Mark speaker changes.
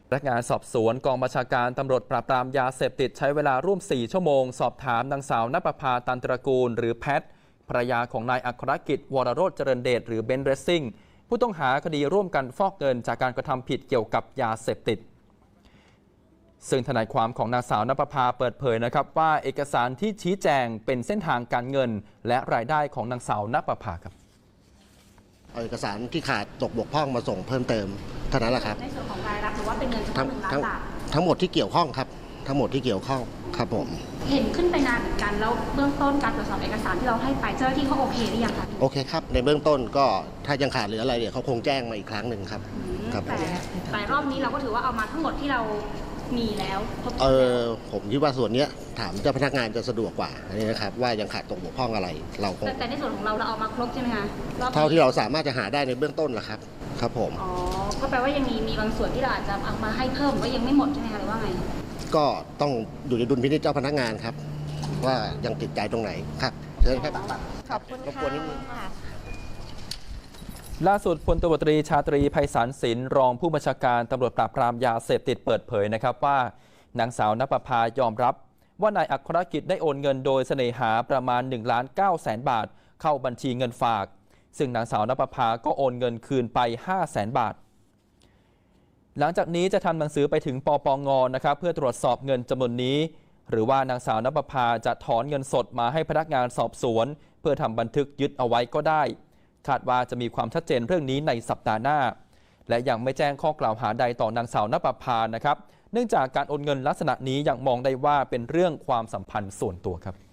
Speaker 1: พนักงานสอบสวนกองบัญชาการตำรวจปราบปรามยาเสพติดใช้เวลาร่วม 4 ชั่วโมงสอบถามนางสาวณปภา ตันตระกูลหรือแพทภรรยาของนายอัครกิจวรโรจน์เจริญเดชหรือเบนซ์เรซซิ่งผู้ต้องหาคดีร่วมกันฟอกเงินจากการกระทำผิดเกี่ยวกับยาเสพติดซึ่งทนายความของนางสาวณปภาเปิดเผยนะครับว่าเอกสารที่ชี้แจงเป็นเส้นทางการเงินและรายได้ของนางสาวณปภาครับ
Speaker 2: เอาเอกสารที่ขาดตกบกพร่องมาส่งเพิ่มเติมเท่านั้นแหละครับ
Speaker 3: ในส่วนของรายรับหรือว่าเป็นเงินทั้ง1 ล้านบาท
Speaker 2: ทั้งหมดที่เกี่ยวข้องครับทั้งหมดที่เกี่ยวข้องครับผม
Speaker 3: เห็นขึ้นไปนานเหมือนกันแล้วเบื้องต้นการตรวจสอบเอกสารที่เราให้ไปเจ้าหน้าที่เขาโอเคหรือยังคะ
Speaker 2: โอเคครับในเบื้องต้นก็ถ้ายังขาดเหลืออะไรเดี๋ยวเขาคงแจ้งมาอีกครั้งหนึ่งครับครับ
Speaker 3: แต่รอบนี้เราก็ถือว่าเอามาทั้งหมดที่เรามีแล้ว
Speaker 2: ผมคิดว่าส่วนนี้ถามเจ้าพนักงานจะสะดวกกว่าอันนี้นะครับว่ายังขาดตกบกพร่องอะไรเราคง
Speaker 3: แต่ในส่วนของเราเอามาครบใช่ไหมคะ
Speaker 2: เท่าที่เราสามารถจะหาได้ในเบื้องต้นแหละครับครับผม
Speaker 3: อ๋อก็แปลว่ายังมีบางส่วนที่เราอาจจะเอามาให้เพิ่มว่ายังไม่หมดใช่ไหมคะหรือว่าไง
Speaker 2: ก็ต้องอยู่ในดุลพินิจเจ้าพนักงานครับว่ายังติดใจตรงไหนครับเชิญครับ
Speaker 4: ขอบคุณค่ะ
Speaker 1: ล่าสุดพลตำรวจตรีชาตรีไพศาลศิลป์รองผู้บัญชาการตำรวจปราบปรามยาเสพติดเปิดเผยนะครับว่านางสาวณปภายอมรับว่านายอัครกิจได้โอนเงินโดยเสน่หาประมาณ1,900,000 บาทเข้าบัญชีเงินฝากซึ่งนางสาวณปภาก็โอนเงินคืนไป500,000 บาทหลังจากนี้จะทำหนังสือไปถึงปปง.นะครับเพื่อตรวจสอบเงินจำนวนนี้หรือว่านางสาวณปภาจะถอนเงินสดมาให้พนักงานสอบสวนเพื่อทำบันทึกยึดเอาไว้ก็ได้คาดว่าจะมีความชัดเจนเรื่องนี้ในสัปดาห์หน้าและยังไม่แจ้งข้อกล่าวหาใดต่อนางสาวณปภานะครับเนื่องจากการโอนเงินลักษณะนี้ยังมองได้ว่าเป็นเรื่องความสัมพันธ์ส่วนตัวครับ